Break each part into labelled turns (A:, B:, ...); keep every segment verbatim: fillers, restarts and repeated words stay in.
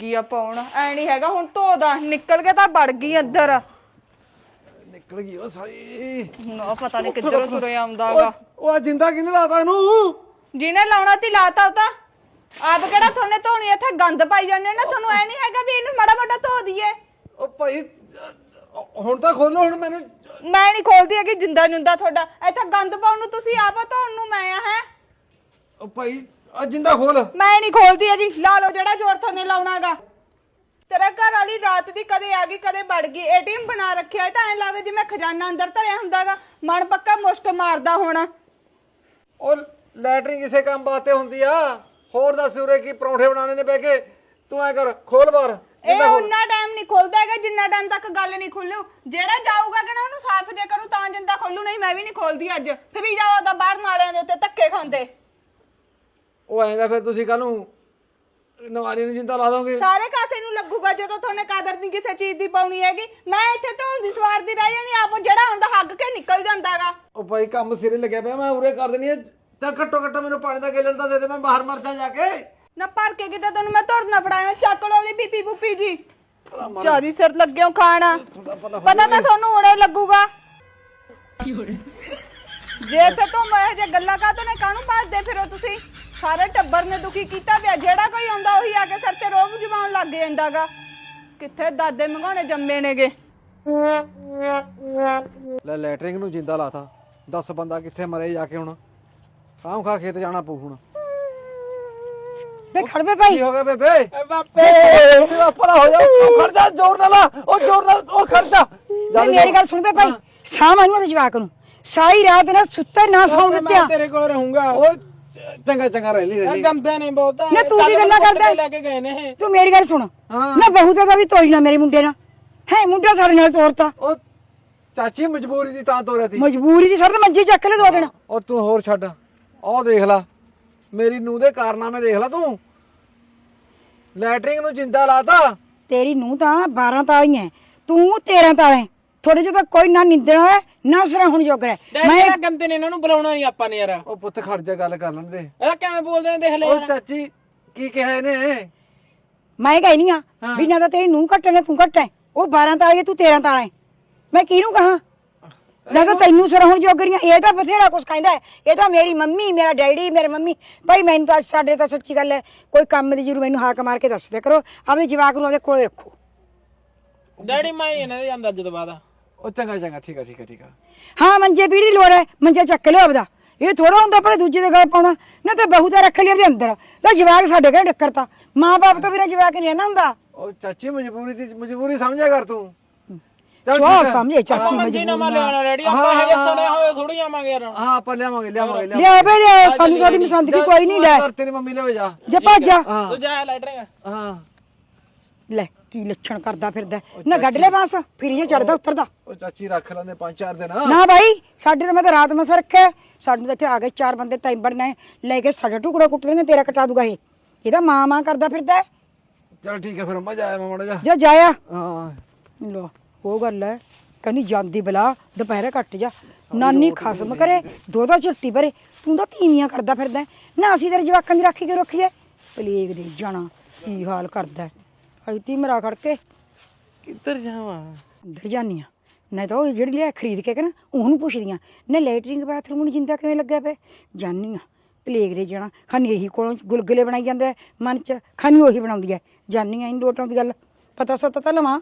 A: ਲੱਗੀ ਆ ਪਾਉਣ ਐ ਨਹੀਂ ਹੈਗਾ ਹੁਣ ਧੋਦਾ ਨਿਕਲ ਕੇ ਤਾਂ ਵੜ ਗਈ ਅੰਦਰ
B: ਨਿਕਲ ਗਈ ਉਹ ਸਾਲੀ
A: ਨਾ ਪਤਾ ਨਹੀਂ ਕਿੱਧਰੋਂ ਤੁਰੇ ਆਉਂਦਾਗਾ
B: ਉਹ ਜਿੰਦਾ ਕਿਹਨੇ ਲਾਤਾ ਇਹਨੂੰ
A: ਜਿਹਨੇ ਲਾਉਣਾ ਤੀ ਲਾਤਾ ਉਹ ਤਾਂ ਆਪ ਕਿਹੜਾ ਥੋਨੇ ਧੋਣੀ ਇੱਥੇ ਗੰਦ ਪਾਈ ਜਾਂਦੇ ਨਾ ਤੁਹਾਨੂੰ ਐ ਨਹੀਂ ਹੈਗਾ ਵੀ ਇਹਨੂੰ ਮਾੜਾ ਮਾੜਾ ਧੋ ਦਈਏ
B: ਉਹ ਭਾਈ ਹੁਣ ਤਾਂ ਖੋਲੋ ਹੁਣ ਮੈਨੂੰ
A: ਮੈਂ ਨਹੀਂ ਖੋਲਦੀ ਹੈਗੀ ਜਿੰਦਾ ਜੁੰਦਾ ਤੁਹਾਡਾ ਇੱਥੇ ਗੰਦ ਪਾਉਣ ਨੂੰ ਤੁਸੀਂ ਆਪ ਧੋਣ ਨੂੰ ਮੈਂ ਆ ਹੈ
B: ਉਹ ਭਾਈ ਆ ਜਿੰਦਾ ਖੋਲ
A: ਮੈਂ ਨਹੀਂ ਖੋਲਦੀ ਹੈਗੀ ਲਾ ਲਓ ਜਿਹੜਾ ਜ਼ੋਰ ਥੋਨੇ ਲਾਉਣਾਗਾ ਤੇਰਾ ਘਰ ਵਾਲੀ ਰਾਤ ਦੀ ਕਦੇ ਆ ਗਈ ਕਦੇ ਵੜ ਗਈ ਏਟੀਐਮ ਬਣਾ ਰੱਖਿਆ ਤਾਂ ਐ ਲੱਗਦਾ ਜਿਵੇਂ ਖਜ਼ਾਨਾ ਅੰਦਰ ਧਰਿਆ ਹੁੰਦਾਗਾ ਮਨ ਪੱਕਾ ਮੁਸ਼ਕ ਮਾਰਦਾ ਹੋਣਾ
B: ਉਹ ਲੈਟਰਿੰਗ ਕਿਸੇ ਕੰਮ ਵਾਸਤੇ ਹੁੰਦੀ ਆ ਹੋਰ ਦੱਸ ਉਰੇ ਕੀ ਪਰੌਂਠੇ ਬਣਾਉਣੇ ਨੇ ਬਹਿ ਕੇ ਤੂੰ ਐ ਕਰ ਖੋਲ ਬਾਹਰ
A: ਇਹ ਉਹਨਾਂ ਟਾਈਮ ਨਹੀਂ ਖੁੱਲਦਾ ਹੈਗਾ ਜਿੰਨਾ ਟਾਈਮ ਤੱਕ ਗੱਲ ਨਹੀਂ ਖੁੱਲੂ ਜਿਹੜਾ ਜਾਊਗਾ ਕਿ ਨਾ ਉਹਨੂੰ ਸਾਫ਼ ਜੇ ਕਰੂ ਤਾਂ ਜਿੰਦਾ ਖੋਲੂ ਨਹੀਂ ਮੈਂ ਵੀ ਨਹੀਂ ਖੋਲਦੀ ਅੱਜ ਫਿਰ ਹੀ ਜਾਓ ਤਾਂ ਬਾਹਰ ਨਾਲਿਆਂ ਦੇ ਉੱਤੇ ਧੱਕੇ ਖਾਂਦੇ
B: ਉਹ ਐਂ ਦਾ ਫਿਰ ਤੁਸੀਂ ਕੱਲ ਨੂੰ ਨਵਾਰੀ ਨੂੰ ਜਿੰਦਾ ਲਾ ਦੋਗੇ
A: ਸਾਰੇ ਕਾਸੇ ਨੂੰ ਲੱਗੂਗਾ ਜਦੋਂ ਤੁਹਾਨੂੰ ਕਦਰ ਨਹੀਂ ਕਿਸੇ ਚੀਜ਼ ਦੀ ਪਾਉਣੀ ਹੈਗੀ ਮੈਂ ਇੱਥੇ ਧੋਣ ਦੀ ਸਵਾਰ ਦੀ ਰਹਿ ਜਾਣੀ ਆਪ ਜਿਹੜਾ ਹੁੰਦਾ ਹੱਗ ਕੇ ਨਿਕਲ ਜਾਂਦਾਗਾ
B: ਉਹ ਭਾਈ ਕੰਮ ਸਿਰੇ ਲੱਗਿਆ ਪਿਆ ਮੈਂ ਉਰੇ ਕਰ ਦੇਣੀ ਆ ਚੱਲ ਘੱਟੋ ਘੱਟ ਮੈਨੂੰ ਪਾਣੀ ਦਾ ਗੇਲਣ ਤਾਂ ਦੇ ਦੇ ਮੈਂ ਬਾਹਰ ਮਰ ਜਾ ਜਾ ਕੇ
A: ਨਾ ਭਰ ਕੇ ਕਿਤੇ ਤੈਨੂੰ ਮੈਂ ਧੁਰ ਨਾ ਫੜਾਇਆ ਚੱਕ ਲਓ ਉਹਦੀ ਪੀਪੀ ਪੁੱਪੀ ਜੀ ਜਿਆਦੀ ਸਿਰ ਲੱਗਿਓ ਖਾਣਾ ਪਤਾ ਤਾਂ ਤੁਹਾਨੂੰ ਹੁਣੇ ਲੱਗੂਗਾ ਜੇ ਤੇ ਤੂੰ ਮੈਂ ਜੇ ਗੱਲਾਂ ਕਾਹਤੋਂ ਨੇ ਕਾਹਨੂੰ ਭੱਜਦੇ ਫਿਰੋ ਤੁਸੀਂ ਸਾਰੇ ਟੱਬਰ ਨੇ ਦੁਖੀ ਕੀਤਾ ਪਿਆ ਜਿਹੜਾ ਕੋਈ ਆਉਂਦਾ ਉਹੀ ਆ ਕੇ ਸਿਰ ਤੇ ਰੋਬ ਜਮਾਉਣ ਲੱਗ ਜਾਂਦਾਗਾ ਕਿੱਥੇ ਦਾਦੇ ਮੰਗਾਉਣੇ ਜੰਮੇ ਨੇਗੇ
B: ਲੈ ਲੈਟਰਿੰਗ ਨੂੰ ਜਿੰਦਾ ਲਾਤਾ ਦਸ ਬੰਦਾ ਕਿੱਥੇ ਮਰੇ ਜਾ ਕੇ ਹੁਣ ਖਾਮ ਖਾ ਖੇਤ ਜਾਣਾ ਪਊ ਹੁਣ
C: ਬੇ ਖੜ ਬੇ ਭਾਈ
B: ਕੀ ਹੋ ਗਿਆ ਬੇਬੇ ਬਾਪੇ ਪਰਾ ਹੋ ਜਾ ਖੜ ਜਾ ਜ਼ੋਰ ਨਾਲ ਉਹ ਜ਼ੋਰ ਨਾਲ ਉਹ ਖੜ ਜਾ
C: ਮੇਰੀ ਗੱਲ ਸੁਣ ਬੇ ਭਾਈ ਸ਼ਾਮ ਆਈ ਉਹਦੇ ਜਵਾਕ ਨੂੰ ਸਾਰੀ ਰਾਤ ਨਾ ਸੁੱਤੇ ਨਾ ਸੌਣ ਦਿੱਤਿਆ
D: ਤੇਰੇ ਕੋਲ ਰਹੂੰਗਾ
B: ਉਹ ਚੰਗਾ ਚੰਗਾ ਰਹਿ ਲਈ ਰਹਿ ਲਈ
D: ਗੰਦੇ ਨੇ ਬਹੁਤ
C: ਨਾ ਤੂੰ ਕੀ ਗੱਲਾਂ ਕਰਦਾ
D: ਲੈ ਕੇ ਗਏ ਨੇ
C: ਤੂੰ ਮੇਰੀ ਗੱਲ ਸੁਣ ਨਾ ਬਹੂ ਤੇ ਤਾਂ ਵੀ ਤੋਈ ਨਾ ਮੇਰੇ ਮੁੰਡੇ ਨਾਲ ਹੈ ਮੁੰਡਾ ਸਾਡੇ ਨਾਲ ਤੋਰਤਾ
B: ਉਹ ਚਾਚੀ ਮਜਬੂਰੀ ਦੀ ਤਾਂ ਤੋਰਿਆ ਤੀ
C: ਮਜਬੂਰੀ ਦੀ ਸਰ ਤੇ ਮੰਜੀ ਚੱਕ ਲੈ ਦੋ ਦਿਨ
B: ਉਹ ਤੂੰ ਹੋਰ ਛੱਡ ਉਹ ਦੇਖ ਲੈ ਮੇਰੀ ਨੂੰਹ ਦੇ ਕਾਰਨਾਮੇ ਦੇਖ ਲੈ ਤੂੰ ਲੈਟਰਿੰਗ ਨੂੰ ਜਿੰਦਾ ਲਾਤਾ
C: ਤੇਰੀ ਨੂੰਹ ਤਾਂ ਬਾਰਾਂ ਤਾਲੀਆਂ ਤੂੰ ਤੇਰਾਂ ਤਾਲੇ ਥੋੜੇ ਜਿਹਾ ਤਾਂ ਕੋਈ ਨਾ ਨਿੰਦਣਾ ਹੈ ਨਾ ਸਰਾ ਹੁਣ ਜੋਗਰਾ
D: ਮੈਂ ਗੰਦੇ ਨੇ ਇਹਨਾਂ ਨੂੰ ਬੁਲਾਉਣਾ ਨਹੀਂ ਆਪਾਂ ਨੇ ਯਾਰ
B: ਉਹ ਪੁੱਤ ਖੜ ਜਾ ਗੱਲ ਕਰ ਲੈਣ ਦੇ
D: ਇਹ ਕਿਵੇਂ ਬੋਲਦੇ ਨੇ ਦੇਖ ਲੈ
B: ਉਹ ਚਾਚੀ ਕੀ ਕਿਹਾ ਇਹਨੇ
C: ਮੈਂ ਕਹਿਨੀ ਆ ਵੀ ਨਾ ਤਾਂ ਤੇਰੀ ਨੂੰਹ ਘੱਟ ਨੇ ਤੂੰ ਘੱਟ ਹੈ ਉਹ ਬਾਰਾਂ ਤਾਲੇ ਤੂੰ ਤੇਰਾਂ ਤਾਲੇ ਮੈਂ ਕਿਹਨੂੰ ਕਹਾਂ ਨਾ ਤਾਂ ਤੈਨੂੰ ਸਰ ਹੁਣ ਜੋਗਰੀਆਂ ਇਹ ਤਾਂ ਬਥੇਰਾ ਕੁਛ ਕਹਿੰਦਾ ਇਹ ਤਾਂ ਮੇਰੀ ਮੰਮੀ ਮੇਰਾ ਡੈਡੀ ਮੇਰੇ ਮੰਮੀ ਭਾਈ ਮੈਨੂੰ ਤਾਂ ਸਾਡੇ ਤਾਂ ਸੱਚੀ ਗੱਲ ਹੈ ਕੋਈ ਕੰਮ ਦੀ ਜ਼ਰੂਰ ਮੈਨੂੰ ਹਾਕ ਮਾਰ ਕੇ ਦੱਸ ਦਿਆ ਕਰੋ ਆਪਣੇ ਜਵਾਕ ਨੂੰ ਉਹਦੇ ਕੋਲੇ ਰੱਖੋ
D: ਡੈਡੀ ਮੈਂ ਇਹਨਾਂ ਦੇ ਜਾਂਦਾ ਜਦੋਂ ਬਾਅਦ
B: ਉਹ ਚੰਗਾ ਚੰਗਾ ਠੀਕ ਆ ਠੀਕ ਆ ਠੀਕ ਆ
C: ਹਾਂ ਮੰਜੇ ਪੀੜੀ ਦੀ ਲੋੜ ਹੈ ਮੰਜਾ ਚੱਕ ਲਿਓ ਆਪਦਾ ਇਹ ਥੋੜਾ ਹੁੰਦਾ ਪਰ ਦੂਜੇ ਦੇ ਗਲ ਪਾਉਣਾ ਨਾ ਤਾਂ ਬਹੂ ਤਾਂ ਰੱਖ ਲਿਆ ਉਹਦੇ ਅੰਦਰ ਤਾਂ ਜਵਾਕ ਸਾਡੇ ਘਰੇ ਡੱਕਰਤਾ ਮਾਂ ਬਾਪ ਤੋਂ ਬਿਨਾਂ ਜਵਾਕ ਨਹੀਂ ਰਹਿੰਦਾ ਹੁੰਦਾ
B: ਉਹ ਚਾਚੀ ਮਜਬੂਰੀ ਦੀ ਮਜਬੂਰੀ ਸਮਝਿਆ ਕਰ ਤੂੰ
C: ਚਲੋ ਸਮਝੇ ਚਾਚੀ
D: ਮੰਜੀ ਨਾ ਮੈਂ ਲਿਆਉਣਾ ਡੈਡੀ ਆਪਾਂ ਹੈਗੇ ਸੜੇ ਹੋਏ ਥੋੜੀ ਆਵਾਂਗੇ ਯਾਰ
B: ਹਾਂ ਆਪਾਂ ਲਿਆਵਾਂਗੇ ਲਿਆਵਾਂਗੇ
C: ਲਿਆ ਬੇ ਲਿਆ ਸਾਨੂੰ ਸਾਡੀ ਪਸੰਦ ਦੀ ਕੋਈ ਨਹੀਂ ਲੈ
B: ਤੇਰੀ ਮੰਮੀ ਲੈ ਜਾ
C: ਜਾ ਭੱਜ ਜਾ
D: ਤੂੰ ਜਾ ਲੈਟਰਿੰਗ
B: ਹਾਂ
C: ਲੈ ਕੀ ਲੱਛਣ ਕਰਦਾ ਫਿਰਦਾ ਨਾ ਗੱਡ ਲੈ ਬਾਂਸ ਫਿਰ ਇਹ ਚੜਦਾ ਉੱਤਰਦਾ
B: ਉਹ ਚਾਚੀ ਰੱਖ ਲੈਂਦੇ ਪੰਜ ਚਾਰ ਦਿਨ
C: ਨਾ ਭਾਈ ਸਾਡੇ ਤਾਂ ਮੈਂ ਤਾਂ ਰਾਤ ਮਸਾ ਰੱਖਿਆ ਸਾਡੇ ਤਾਂ ਇੱਥੇ ਆ ਗਏ ਚਾਰ ਬੰਦੇ ਟਾਈਬਰ ਨੇ ਲੈ ਕੇ ਸਾਡਾ ਟੁਕੜਾ ਕੁੱਟ ਦੇਣਗੇ ਤੇਰਾ ਕਟਾ ਦੂਗਾ ਇਹ ਇਹਦਾ ਮਾਂ ਮਾਂ ਕਰਦਾ ਫਿਰਦਾ
B: ਚਲ ਠੀਕ ਹੈ ਫਿਰ ਮਜ਼ਾ ਆਇਆ ਮਾਮਾ ਜਾ
C: ਜਾ ਜਾਇਆ
B: ਹਾਂ
C: ਲੋ ਉਹ ਗੱਲ ਹੈ ਕਹਿੰਦੀ ਜਾਂਦੀ ਬਲਾ ਦੁਪਹਿਰੇ ਕੱਟ ਜਾ ਨਾਨੀ ਖਸਮ ਕਰੇ ਦੋ ਦੋ ਝੱਟੀ ਭਰੇ ਤੂੰ ਤਾਂ ਤੀਵੀਆਂ ਕਰਦਾ ਫਿਰਦਾ ਨਾ ਅਸੀਂ ਤੇਰੇ ਜਵਾਕਾਂ ਦੀ ਰਾਖੀ ਕੇ ਰੱਖੀਏ ਪਲੇਗ ਦੇ ਜਾਣਾ ਕੀ ਹਾਲ ਕਰਦਾ ਅਜਤੀ ਮਰਾ ਖੜ ਕੇ
B: ਕਿੱਧਰ ਜਾਵਾਂ
C: ਅੰਦਰ ਜਾਨੀਆਂ ਨਹੀਂ ਤਾਂ ਉਹ ਜਿਹੜੀ ਲਿਆ ਖਰੀਦ ਕੇ ਕਿ ਨਾ ਉਹਨੂੰ ਪੁੱਛਦੀਆਂ ਨਾ ਲੈਟਰਿੰਗ ਬਾਥਰੂਮ ਨੂੰ ਜਿੰਦਾ ਕਿਵੇਂ ਲੱਗਿਆ ਪਿਆ ਜਾਨੀਆਂ ਪਲੇਗ ਦੇ ਜਾਣਾ ਖਾਨੀ ਇਹੀ ਕੋਲੋਂ ਗੁਲਗੁਲੇ ਬਣਾਈ ਜਾਂਦਾ ਮਨ ਚ ਖਾਨੀ ਉਹੀ ਬਣਾਉਂਦੀ ਹੈ ਜਾਨੀਆਂ ਇਹਨੂੰ ਲੋਟਾਂ ਦੀ ਗੱਲ ਪਤਾ ਸਤਾ ਤਾਂ ਲਵਾਂ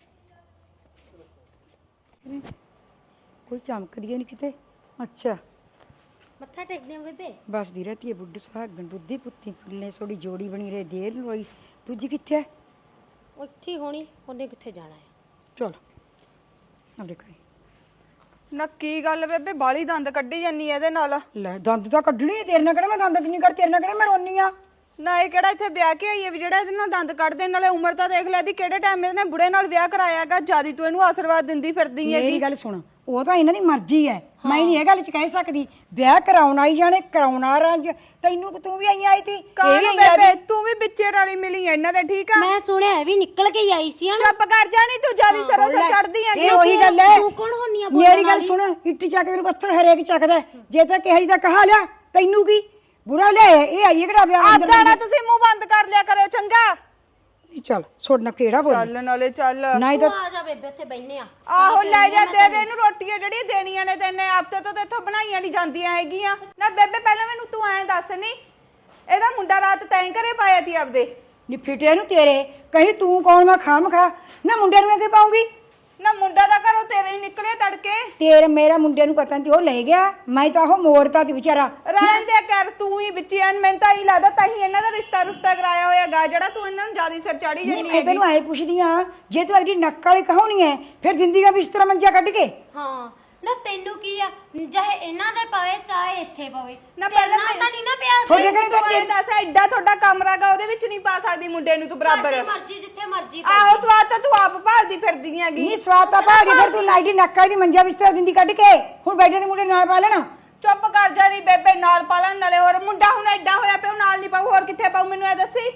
C: ਕੋਈ ਚਮਕਦੀ ਨਹੀਂ ਕਿਤੇ ਅੱਛਾ
E: ਮੱਥਾ ਟੇਕਦੇ ਆ ਬੇਬੇ
C: ਬਸ ਦੀ ਰਹਤੀ ਹੈ ਬੁੱਢ ਸੁਹਾਗਣ ਦੁੱਧੀ ਪੁੱਤੀ ਫੁੱਲੇ ਸੋੜੀ ਜੋੜੀ ਬਣੀ ਰਹੇ ਦੇਰ ਨੂੰ ਹੋਈ ਦੂਜੀ ਕਿੱਥੇ ਹੈ
E: ਉੱਥੇ ਹੋਣੀ ਉਹਨੇ ਕਿੱਥੇ ਜਾਣਾ ਹੈ
C: ਚਲ ਆ ਦੇਖੋ
A: ਨਾ ਕੀ ਗੱਲ ਬੇਬੇ ਬਾਲੀ ਦੰਦ ਕੱਢੀ ਜਾਨੀ ਇਹਦੇ ਨਾਲ
C: ਲੈ ਦੰਦ ਤਾਂ ਕੱਢਣੀ ਤੇਰੇ ਨਾਲ ਕਿਹੜਾ ਮੈਂ ਦੰਦ ਕਿੰਨੀ ਕਰ ਤੇਰੇ ਨਾਲ ਕਿਹੜਾ ਮੈਂ ਰੋਨੀ ਆ
A: ਨਾ ਇਹ ਕਿਹੜਾ ਇੱਥੇ ਵਿਆਹ ਕੇ ਆਈ ਹੈ ਵੀ ਜਿਹੜਾ ਇਹਦੇ ਨਾਲ ਦੰਦ ਕੱਢਦੇ ਨਾਲੇ ਉਮਰ ਤਾਂ ਦੇਖ ਲੈ ਦੀ ਕਿਹੜੇ ਟਾਈਮ ਇਹਨੇ ਬੁੜੇ ਨਾਲ ਵਿਆਹ ਕਰਾਇਆ ਹੈਗਾ ਜਿਆਦੀ ਤੂੰ ਇਹਨੂੰ ਆਸ਼ੀਰਵਾਦ ਦਿੰਦੀ ਫਿਰਦੀ ਹੈਗੀ
C: ਮੇਰੀ ਗੱਲ ਸੁਣ ਉਹ ਤਾਂ ਇਹਨਾਂ ਦੀ ਮਰਜ਼ੀ ਹੈ ਮੈਂ ਨਹੀਂ ਇਹ ਗੱਲ ਚ ਕਹਿ ਸਕਦੀ ਵਿਆਹ ਕਰਾਉਣ ਆਈ ਜਾਣੇ ਕਰਾਉਣਾ ਰੰਜ ਤੈਨੂੰ ਤੂੰ ਵੀ ਆਈ ਆਈ ਤੀ
A: ਕਾਹਨੂੰ ਬੇਬੇ ਤੂੰ ਵੀ ਵਿੱਚੇ ਵਾਲੀ ਮਿਲੀ ਐ ਇਹਨਾਂ ਦੇ ਠੀਕ ਆ
E: ਮੈਂ ਸੁਣਿਆ ਵੀ ਨਿਕਲ ਕੇ ਹੀ ਆਈ ਸੀ ਹਨਾ
A: ਚੁੱਪ ਕਰ ਜਾ ਨਹੀਂ ਤੂੰ ਜਿਆਦੀ ਸਰੋਸਰ ਚੜਦੀ ਹੈਗੀ
C: ਇਹ ਉਹੀ ਗੱਲ ਹੈ
E: ਤੂੰ ਕੌਣ ਹੁੰਨੀ ਆ
C: ਮੇਰੀ ਗੱਲ ਸੁਣ ਇੱਟ ਚੱਕਦੇ ਨੂੰ ਪੱਥਰ ਹਰੇਕ ਚੱਕਦਾ ਜੇ ਤਾਂ ਕਿਹੜੀ ਦਾ ਕਹਾ ਲਿਆ ਤੈਨੂੰ ਕੀ ਬੁਰਾ ਲੈ ਇਹ ਆਈ ਕਿਹੜਾ ਵਿਆਹ
A: ਆਪਦਾ ਨਾ ਤੁਸੀਂ ਮੂੰਹ ਬੰਦ ਕਰ ਲਿਆ ਕਰਿਓ ਚੰਗਾ
C: ਨਹੀਂ ਚੱਲ ਛੋੜਨਾ ਕਿਹੜਾ ਬੋਲ
A: ਚੱਲ ਨਾਲੇ ਚੱਲ
C: ਨਹੀਂ ਤਾਂ
E: ਤੂੰ ਆ ਜਾ ਬੇਬੇ ਉੱਥੇ ਬੈਠਨੇ ਆ
A: ਆਹੋ ਲੈ ਜਾ ਦੇ ਦੇ ਇਹਨੂੰ ਰੋਟੀਆਂ ਜਿਹੜੀ ਦੇਣੀਆਂ ਨੇ ਤੈਨੇ ਆਪ ਤੇ ਤਾਂ ਇੱਥੋਂ ਬਣਾਈਆਂ ਨਹੀਂ ਜਾਂਦੀਆਂ ਹੈਗੀਆਂ ਨਾ ਬੇਬੇ ਪਹਿਲਾਂ ਮੈਨੂੰ ਤੂੰ ਐਂ ਦੱਸ ਨਹੀਂ ਇਹਦਾ ਮੁੰਡਾ ਰਾਤ ਤੈਂ ਘਰੇ ਪਾਇਆ ਤੀ ਆਪਦੇ
C: ਨੀ ਫਿੱਟੇ ਨੂੰ ਤੇਰੇ ਕਹੀਂ ਤੂੰ ਕੌਣ ਮੈਂ ਖਾਮ ਖਾ ਨਾ ਮੁੰਡੇ ਨੂੰ ਮੈਂ ਕੀ ਪਾਉਂਗੀ
A: ਨਾ ਮੁੰਡਾ ਦਾ ਘਰੋਂ ਤੇਰੇ ਹੀ ਨਿਕਲੇ ਤੜਕੇ
C: ਤੇਰੇ ਮੇਰਾ ਮੁੰਡੇ ਨੂੰ ਪਤਾ ਨਹੀਂ ਉਹ ਲੈ ਗਿਆ ਮੈਂ ਤਾਂ ਉਹ ਮੋੜਤਾ ਤੇ ਵਿਚਾਰਾ
A: ਰਹਿਣ ਦੇ ਕਰ ਤੂੰ ਹੀ ਵਿੱਚ ਐਨ ਮੈਨੂੰ ਤਾਂ ਹੀ ਲੱਗਦਾ ਤਾਂ ਹੀ ਇਹਨਾਂ ਦਾ ਰਿਸ਼ਤਾ ਰੁਸ਼ਤਾ ਕਰਾਇਆ ਹੋਇਆਗਾ ਜਿਹੜਾ ਤੂੰ ਇਹਨਾਂ ਨੂੰ ਜਿਆਦਾ ਸਿਰ ਚਾੜੀ
C: ਨਹੀਂ
A: ਜਾਂਦੀ
C: ਮੈਂ ਤੈਨੂੰ ਐ ਪੁੱਛਦੀ ਆ ਜੇ ਤੂੰ ਐਡੀ ਨੱਕ ਵਾਲੀ ਕਹਾਉਣੀ ਐ ਫਿਰ ਜ਼ਿੰਦਗੀ ਦਾ ਬਿਸਤਰਾ ਮੰਜਾ ਕੱਢ ਕੇ
E: ਹਾਂ ਨਾ ਤੈਨੂੰ ਕੀ ਆ ਚਾਹੇ ਇਹਨਾਂ ਦੇ ਪਵੇ ਚਾਹੇ ਇੱਥੇ ਪਵੇ
A: ਨਾ
E: ਤੇਰੇ
A: ਪਹਿਲਾਂ
E: ਨਾਲ ਤਾਂ ਨਹੀਂ ਨਾ ਪਿਆ ਸੀ
C: ਤੁਹਾਡੇ ਘਰੇ ਤਾਂ
A: ਤੂੰ ਇਹ ਦੱਸ ਐਡਾ ਤੁਹਾਡਾ ਕਮਰਾਗਾ ਉਹਦੇ ਵਿੱਚ ਨਹੀਂ ਪਾ ਸਕਦੀ ਮੁੰਡੇ ਨੂੰ ਤੂੰ ਬਰਾਬਰ
E: ਸਾਡੀ ਮਰਜ਼ੀ ਜਿੱਥੇ ਮਰਜ਼ੀ
A: ਆਹੋ ਸਵਾਦ ਤਾਂ ਤੂੰ ਆਪ ਭਾਲਦੀ ਫਿਰਦੀ ਹੈਗੀ
C: ਨਹੀਂ ਸਵਾਦ ਤਾਂ ਭਾਗੀ ਫਿਰ ਤੂੰ ਲਾਈਡੀ ਨੱਕ ਵਾਲੀ ਦੀ ਮੰਜਾ ਬਿਸਤਰਾ ਦਿੰਦੀ ਕੱਢ ਕੇ ਹੁਣ ਬੈਠੇ ਦੇ ਮੁੰਡੇ ਨਾਲ ਪਾ ਲੈਣਾ
A: ਚੁੱਪ ਕਰ ਜਾ ਨੀ ਬੇਬੇ ਨਾਲ ਪਾਲਣ ਨਾਲੇ ਹੋਰ ਮੁੰਡਾ ਹੁਣ ਐਡਾ ਹੋਇਆ ਪਿਆ ਉਹ ਨਾਲ ਨਹੀਂ ਪਾਉ ਹੋਰ ਕਿੱਥੇ ਪਾਉ ਮੈਨੂੰ ਇਹ ਦੱਸੀ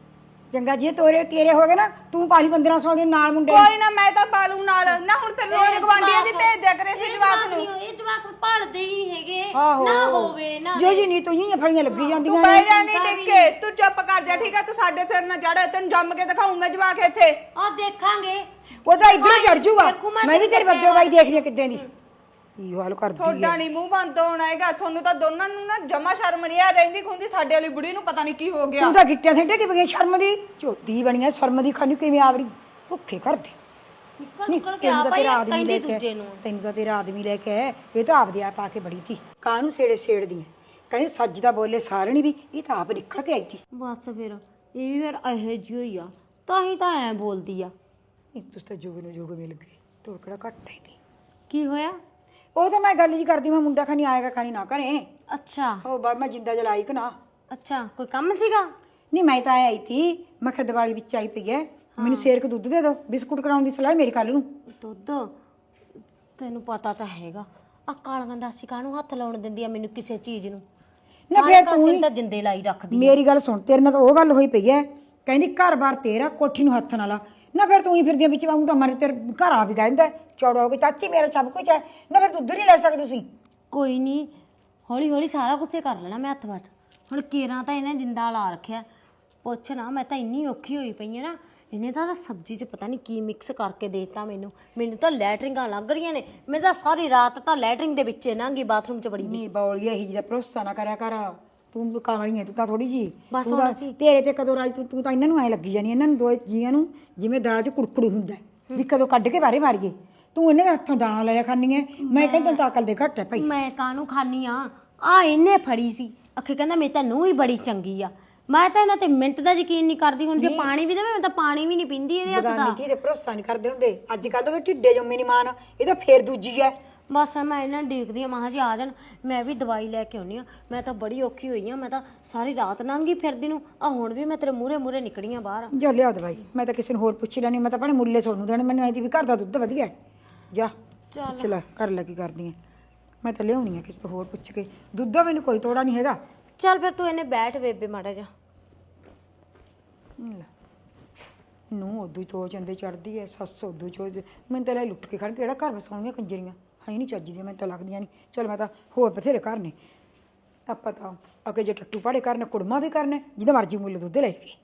C: ਚੰਗਾ ਜੇ ਤੋਰੇ ਤੇਰੇ ਹੋ ਗਏ ਨਾ ਤੂੰ ਪਾਲੀ ਪੰਦਰਾਂ ਸੌ ਦੇ ਨਾਲ ਮੁੰਡੇ
A: ਕੋਈ ਨਾ ਮੈਂ ਤਾਂ ਪਾਲੂ ਨਾਲ ਨਾ ਹੁਣ ਫਿਰ ਰੋਜ਼ ਗਵਾਂਢੀਆਂ ਦੀ ਭੇਜ ਦਿਆ ਕਰੇ ਸੀ ਜਵਾਕ ਨੂੰ
E: ਇਹ ਜਵਾਕ ਭਾਲਦੇ ਹੀ ਹੈਗੇ
C: ਆਹੋ
E: ਨਾ ਹੋਵੇ ਨਾ
C: ਜੋ ਜੀ ਨਹੀਂ ਤੂੰ ਹੀ ਫਲੀਆਂ ਲੱਗੀ
A: ਤੂੰ
C: ਜਾਂਦੀਆਂ
A: ਬਹਿ
C: ਨੇ
A: ਜਾ ਨਹੀਂ ਟਿੱਕੇ ਤੂੰ ਚੁੱਪ ਕਰ ਜਾ ਠੀਕ ਆ ਤੂੰ ਸਾਡੇ ਸਿਰ ਨਾ ਜੜ ਤੈਨੂੰ ਜੰਮ ਕੇ ਦਿਖਾਉਂਗਾ ਜਵਾਕ ਇੱਥੇ
E: ਆ ਦੇਖਾਂਗੇ
C: ਉਹ ਤਾਂ ਇੱਧਰ ਚੜ ਜੂਗਾ
E: ਦੇਖੂ ਮੈਂ
C: ਮੈਂ ਵੀ ਤੇਰੀ ਬੱਦੋ ਬਾਈ ਦੇਖਦੀ ਆ ਕਿੱਦਾਂ ਦੀ ਇਹ ਹਾਲ ਕਰਦੀ ਆ
A: ਤੁਹਾਡਾ ਨਹੀਂ ਮੂੰਹ ਬੰਦ ਹੋਣਾ ਹੈਗਾ ਤੁਹਾਨੂੰ ਤਾਂ ਦੋਨਾਂ ਨੂੰ ਨਾ ਜਮਾ ਸ਼ਰਮ ਨਹੀਂ ਆ ਰਹਿੰਦੀ ਖੁੰਦੀ ਸਾਡੇ ਵਾਲੀ ਬੁੜੀ ਨੂੰ ਪਤਾ ਨਹੀਂ ਕੀ ਹੋ ਗਿਆ
C: ਤੂੰ ਤਾਂ ਗਿੱਟਿਆਂ ਥੇਟੇ ਕਿ ਬਗੈ ਸ਼ਰਮ ਦੀ ਝੋਤੀ ਬਣੀਆਂ ਸ਼ਰਮ ਦੀ ਖਾਣੀ ਕਿਵੇਂ ਆਵਰੀ ਭੁੱਖੇ ਕਰਦੀ
E: ਨਿਕਲ ਨਿਕਲ ਕੇ ਆ
C: ਤੈਨੂੰ ਤਾਂ
E: ਭਾਈ
C: ਤੇਰਾ ਆਦਮੀ
E: ਕਹਿੰਦੀ
C: ਲੈ ਕੇ
E: ਦੂਜੇ ਨੂੰ
C: ਤੈਨੂੰ ਤਾਂ ਤੇਰਾ ਆਦਮੀ ਲੈ ਕੇ ਆਇਆ, ਇਹ ਤਾਂ ਆਪਦੇ ਆਪ ਆ ਕੇ ਬੜੀ ਸੀ ਕਾਹਨੂੰ ਸੇੜੇ ਸੇੜਦੀ ਐ ਕਹਿੰਦੀ ਸੱਜ ਦਾ ਬੋਲੇ ਸਾਰਣੀ ਵੀ ਇਹ ਤਾਂ ਆਪ ਨਿਕਲ ਕੇ ਆਈ ਸੀ
E: ਬਸ ਫਿਰ ਇਹ ਵੀ ਫਿਰ ਇਹੋ ਜਿਹੀ ਹੋਈ ਆ ਤਾਂ ਹੀ ਤਾਂ ਐ ਬੋਲਦੀ ਆ
C: ਇਹ ਤੁਸੀਂ ਤਾਂ ਜੋਗ ਨੂੰ ਜੋਗ ਮਿਲ ਗਏ ਤੋੜ ਕਿਹੜਾ ਘੱਟ ਹੈਗੀ
E: ਕੀ ਹੋਇਆ
C: ਉਹ ਤਾਂ ਮੈਂ ਗੱਲ ਜੀ ਕਰਦੀ ਮੈਂ ਮੁੰਡਾ ਖਾਣੀ ਆਏਗਾ ਖਾਣੀ ਨਾ ਕਰੇ
E: ਅੱਛਾ
C: ਉਹ ਬਾਅਦ ਮੈਂ ਜਿੰਦਾ ਜਲਾਈ ਕਿ ਨਾ
E: ਅੱਛਾ ਕੋਈ ਕੰਮ ਸੀਗਾ
C: ਨਹੀਂ ਮੈਂ ਤਾਂ ਆਈ ਸੀ ਮੈਂ ਕਿਹਾ ਦੀਵਾਲੀ ਵਿੱਚ ਆਈ ਪਈ ਐ ਮੈਨੂੰ ਸੇਰ ਕੇ ਦੁੱਧ ਦੇ ਦਿਓ ਬਿਸਕੁਟ ਕਰਾਉਣ ਦੀ ਸਲਾਹ ਮੇਰੀ ਕੱਲ ਨੂੰ
E: ਦੁੱਧ ਤੈਨੂੰ ਪਤਾ ਤਾਂ ਹੈਗਾ ਆ ਕਾਲੀਆਂ ਦਾਸੀ ਕਾਹਨੂੰ ਹੱਥ ਲਾਉਣ ਦਿੰਦੀ ਆ ਮੈਨੂੰ ਕਿਸੇ ਚੀਜ਼ ਨੂੰ
C: ਨਾ
E: ਸਾਰੇ
C: ਫਿਰ
E: ਪਾਸੇ
C: ਤੂੰ
E: ਨੂੰ ਤਾਂ ਜਿੰਦੇ ਲਾਈ ਰੱਖਦੀ
C: ਮੇਰੀ ਗੱਲ ਸੁਣ ਤੇਰੇ ਨਾਲ ਤਾਂ ਉਹ ਗੱਲ ਹੋਈ ਪਈ ਐ ਕਹਿੰਦੀ ਘਰ-ਬਾਰ ਤੇਰਾ ਕੋਠੀ ਨੂੰ ਹੱਥ ਨਾ ਲਾ ਨਾ ਫਿਰ ਤੂੰ ਹੀ ਫਿਰਦੀਆਂ ਵਿੱਚ ਵਾਂਗੂ ਤਾਂ ਮਰੇ ਤੇਰੇ ਘਰ ਆ ਵੀ ਕਹਿੰਦਾ ਚੌੜਾ ਹੋ ਕੇ ਚਾਚੀ ਮੇਰਾ ਸਭ ਕੁਝ ਹੈ ਨਾ ਫਿਰ ਦੁੱਧ ਨਹੀਂ ਲੈ ਸਕਦੇ ਤੁਸੀਂ
E: ਕੋਈ ਨਹੀਂ ਹੌਲੀ ਹੌਲੀ ਸਾਰਾ ਕੁਝ ਕਰ ਲੈਣਾ ਮੈਂ ਹੱਥ ਵੱਟ ਹੁਣ ਕੇਰਾਂ ਤਾਂ ਇਹਨੇ ਜਿੰਦਾ ਲਾ ਰੱਖਿਆ ਪੁੱਛ ਨਾ ਮੈਂ ਤਾਂ ਇੰਨੀ ਔਖੀ ਹੋਈ ਪਈ ਆ ਨਾ ਇਹਨੇ ਤਾਂ ਸਬਜ਼ੀ 'ਚ ਪਤਾ ਨਹੀਂ ਕੀ ਮਿਕਸ ਕਰਕੇ ਦੇਤਾ ਮੈਨੂੰ ਮੈਨੂੰ ਤਾਂ ਲੈਟਰਿੰਗਾਂ ਲੱਗ ਰਹੀਆਂ ਨੇ ਮੈਂ ਤਾਂ ਸਾਰੀ ਰਾਤ ਤਾਂ ਲੈਟਰਿੰਗ ਦੇ ਵਿੱਚ ਲੰਘੀ ਬਾਥਰੂਮ 'ਚ ਬੜੀ ਦੀ
C: ਨਹੀਂ ਬੌਲੀਆ ਹੀ ਜਿਹਦਾ ਭਰੋਸਾ ਨਾ ਕਰਿਆ ਕਰ ਤੂੰ ਕਾਲੀ ਹੈ ਤੂੰ ਤਾਂ ਥੋੜੀ ਜੀ
E: ਬਸ
C: ਤੂੰ
E: ਹੁਣ
C: ਤਾਂ-
E: ਅਸੀਂ-
C: ਤੇਰੇ ਤੇ ਕਦੋਂ ਰਾਜ ਤੂੰ ਤੂੰ ਤਾਂ ਇਹਨਾਂ ਨੂੰ ਐ ਲੱਗੀ ਜਾਨੀ ਇਹਨਾਂ ਨੂੰ ਦੋ ਜੀਆਂ ਨੂੰ ਜਿਵੇਂ ਦਾਲ 'ਚ ਕੁੜਕੜੂ ਹੁੰਦਾ ਹੈ, ਵੀ ਕਦੋਂ ਕੱਢ ਕੇ ਬਾਹਰੇ ਮਾਰੀਏ ਤੂੰ ਇਹਨਾਂ ਦੇ ਹੱਥੋਂ ਦਾਣਾ ਲਿਆ ਖਾਨੀ ਹੈ ਮੈਂ ਕਹਿੰਦਾ ਤਾਂ ਅਕਲ ਦੇ ਘੱਟ ਹੈ ਭਾਈ
E: ਮੈਂ ਕਾਹਨੂੰ ਖਾਨੀ ਆ ਆ ਇਹਨੇ ਫੜੀ ਸੀ ਅੱਖੇ ਕਹਿੰਦਾ ਮੇਰੀ ਤਾਂ ਨੂੰਹ ਹੀ ਬੜੀ ਚੰਗੀ ਆ ਮੈਂ ਤਾਂ ਇਹਨਾਂ ਤੇ ਮਿੰਟ ਦਾ ਯਕੀਨ ਨਹੀਂ ਕਰਦੀ ਹੁਣ ਜੇ ਪਾਣੀ ਵੀ ਦੇਵੇ ਮੈਂ ਤਾਂ ਪਾਣੀ ਵੀ ਨਹੀਂ ਪੀਂਦੀ ਇਹਦੇ ਹੱਥ ਦਾ
C: ਬਗਾਨੀ ਕੀ ਤੇ ਭਰੋਸਾ ਨਹੀਂ ਕਰਦੇ ਹੁੰਦੇ ਅੱਜ ਕੱਲ ਤਾਂ ਢਿੱਡੇ ਜੰਮੇ ਨਹੀਂ ਮਾਨ ਇਹ ਤਾਂ ਫੇਰ ਦੂਜੀ ਹੈ
E: ਬਸ ਮੈਂ ਇਹਨਾਂ ਨੂੰ ਦੇਖਦੀ ਆ ਮਹਾਂ ਜੀ ਆ ਜਾਣ ਮੈਂ ਵੀ ਦਵਾਈ ਲੈ ਕੇ ਆਉਣੀ ਆ ਮੈਂ ਤਾਂ ਬੜੀ ਔਖੀ ਹੋਈ ਆ ਮੈਂ ਤਾਂ ਸਾਰੀ ਰਾਤ ਲੰਘੀ ਫਿਰਦੀ ਨੂੰ ਆ ਹੁਣ ਵੀ ਮੈਂ ਤੇਰੇ ਮੂਹਰੇ ਮੂਹਰੇ ਨਿਕੜੀ ਆ ਬਾਹਰ
C: ਜਾ ਲਿਆ ਦਵਾਈ ਮੈਂ ਤਾਂ ਕਿਸੇ ਨੂੰ ਹੋਰ ਪੁੱਛੀ ਲੈਣੀ ਮੈਂ ਤਾਂ ਆਪਣੇ ਮੁੱਲੇ ਤੁਹਾਨੂੰ ਦੇਣੇ ਮੈਨੂੰ ਐਦੀ ਵੀ ਘਰ ਦਾ ਦੁੱਧ ਵਧੀਆ ਹੈ ਜਾ
E: ਚੱਲ
C: ਚਲਾ ਕਰ ਲੈ ਕੀ ਕਰਦੀ ਹੈ ਮੈਂ ਤਾਂ ਲਿਆਉਣੀ ਆ ਕਿਸੇ ਤੋਂ ਹੋਰ ਪੁੱਛ ਕੇ ਦੁੱਧ ਦਾ ਮੈਨੂੰ ਕੋਈ ਤੋੜਾ ਨਹੀਂ ਹੈਗਾ
E: ਚੱਲ ਫਿਰ ਤੂੰ ਇਹਨੇ ਬੈਠ ਬੇਬੇ ਮਾੜਾ ਜਾ
C: ਨੂੰ ਉਦੋਂ ਹੀ ਤੋ ਚੰਦੇ ਚੜਦੀ ਐ ਸੱਸ ਉਦੋਂ ਚੋ ਮੈਨੂੰ ਤਾਂ ਲੈ ਲੁੱਟ ਕੇ ਖੜ ਕੇ ਕਿਹੜਾ ਘਰ ਵਸਾਉਣੀਆਂ ਕੰਜਰੀਆਂ ਹੈ ਨਹੀਂ ਚੱਜਦੀਆਂ ਮੈਨੂੰ ਤਾਂ ਲੱਗਦੀਆਂ ਨਹੀਂ ਚਲ ਮੈਂ ਤਾਂ ਹੋਰ ਬਥੇਰੇ ਘਰ ਨੇ ਆਪਾਂ ਤਾਂ ਅੱਗੇ ਜੇ ਟੱਟੂ ਪਾੜੇ ਕਰਨੇ ਕੁੜਮਾਂ ਦੇ ਕਰਨੇ ਜਿਹਦਾ ਮਰਜ਼ੀ ਮੁੱਲ ਦੁੱਧ ਲੈ ਕੇ